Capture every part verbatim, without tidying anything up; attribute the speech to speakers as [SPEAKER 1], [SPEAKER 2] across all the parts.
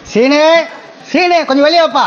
[SPEAKER 1] சீனே சீனே கொஞ்சம் வெளியே வாப்பா.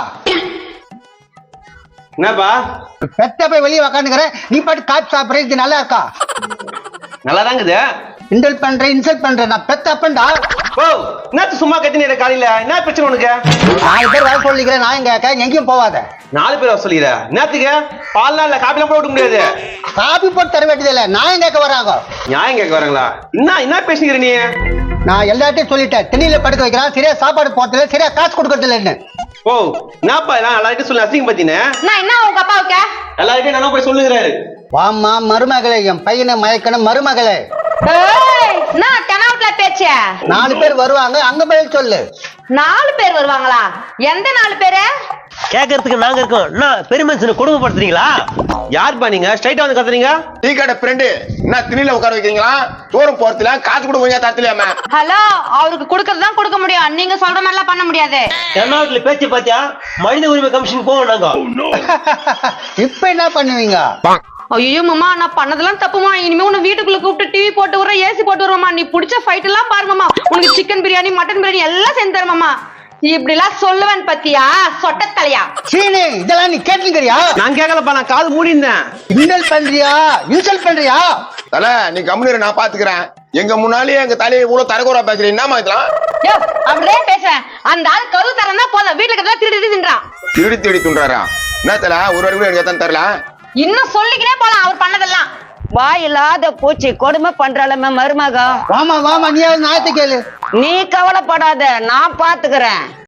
[SPEAKER 2] என்னப்பா
[SPEAKER 1] பெத்த போய் வெளியே உக்காந்துக்கிற, நீ பாட்டு காய்ச்சி சாப்பிட்ற. இது நல்லா இருக்கா?
[SPEAKER 2] நல்லா தாங்குது.
[SPEAKER 1] இன்டல் பண்ற இன்சல்ட் பண்ற. நான் பெத்த அப்பன்டா.
[SPEAKER 2] ஓ என்னத்து சும்மா கத்தினீர காலையில என்ன பிரச்சனை உனக்கு?
[SPEAKER 1] நாலு பேர் வர சொல்லிக்கிறேன், நான் கேட்க எங்கேயும் போவாத.
[SPEAKER 2] நாலு பேர் வர சொல்லிக்கிற என்னத்துக்கு? பால்லாம் இல்ல காப்பிலாம் போட முடியாது.
[SPEAKER 1] காபி போட்டு தர வேண்டியது இல்ல, நான் கேட்க வராங்க.
[SPEAKER 2] நியாயம் கேட்க வராங்களா? என்ன என்ன பேசுகிற நீ?
[SPEAKER 1] நான் எல்லாத்தையும் சொல்லிட்டேன். திண்ணில படுக்க வைக்கிறான், சரியா சாப்பாடு போட்டதில்ல, சரியா காசு கொடுக்கறது இல்லைன்னு.
[SPEAKER 2] ஓ என்னப்பா எல்லாம் எல்லார்கிட்டும் சொல்லி அசிங்க பத்தினே
[SPEAKER 3] நான் என்ன உங்க அப்பாவுக்கு
[SPEAKER 2] எல்லார்கிட்டையும் நானும் போய் சொல்லுகிறாரு.
[SPEAKER 1] வாமா மருமகளே, என் பையனை மயக்கணும் மருமகளே.
[SPEAKER 3] ஏய், நான் தெனாவுட்ல பேச்ச.
[SPEAKER 1] நாலு பேர் வருவாங்க, அங்க பதில் சொல்லு.
[SPEAKER 3] நாலு பேர் வருவாங்களா? எந்த நாலு பேரு?
[SPEAKER 4] கேட்கறதுக்கு நாங்க இருக்கோம். என்ன பெரிய மனுஷனை கொடுமைப்படுத்துறீங்களா?
[SPEAKER 2] யாருப்பா நீங்க ஸ்ட்ரைட்டா வந்து கத்துறீங்க?
[SPEAKER 5] டீ கடை ஃப்ரெண்டு என்ன திணில உட்கார வைக்கிறீங்களா? தூரம் போறதுல காசு கூட கொஞ்சம் தரத்துலையாம.
[SPEAKER 3] ஹலோ, அவருக்கு கொடுக்கறது தான் கொடுக்க முடியும், நீங்க சொல்ற மாதிரி எல்லாம் பண்ண முடியாது.
[SPEAKER 4] தென்னாட்டுல பேச்சு பாத்தியா? மனித உரிமை கமிஷன் போவோம் நாங்க.
[SPEAKER 1] இப்ப என்ன பண்ணுவீங்க?
[SPEAKER 3] ஐயோ மாமா, நான் பண்ணதெல்லாம் தப்புமா. இனிமே உன்னை வீட்டுக்குள்ள கூப்பிட்டு டிவி போட்டு விடுற, ஏசி போட்டு விடுறோமா. நீ பிடிச்ச ஃபைட் எல்லாம் பாருங்கம்மா. உனக்கு சிக்கன் பிரியாணி மட்டன் பிரியாணி எல்லாம் செஞ்சு தருமாமா. இப்படி எல்லாம் சொல்லுவேன் பத்தியா சொட்ட தலையா?
[SPEAKER 1] சீனே, இதெல்லாம் நீ கேட்டுக்கிறியா?
[SPEAKER 2] நான் கேட்கலப்பா, நான் காது மூடி இருந்தேன்.
[SPEAKER 1] இன்டல் பண்றியா இன்சல்ட் பண்றியா?
[SPEAKER 5] தல நீ கம்முனு, நான் பாத்துக்கிறேன். எங்க முன்னாலேயே எங்க தலையை இவ்வளவு தரக்குறா பேசுறீங்க. என்னமா இதெல்லாம்?
[SPEAKER 3] யோ, அப்படியே பேசுறேன். அந்த ஆள் கரு தரனா போதும், வீட்டுல இருக்கிறதா திருடி தின்றான்.
[SPEAKER 5] திருடி திருடி துண்டாரா? என்ன தல ஒரு வாடி கூட எனக்கு எத்தனை தரல?
[SPEAKER 3] இன்னும் சொல்லிக்கினே போலாம் அவர் பண்ணதெல்லாம்.
[SPEAKER 6] வாய் இல்லாத பூச்சி கொடுமை பண்றாளமே மருமகா.
[SPEAKER 1] வாமா வாமா, நீ நாயத்தை கேளு.
[SPEAKER 6] நீ கவலைப்படாத, நான் பாத்துக்கிறேன்.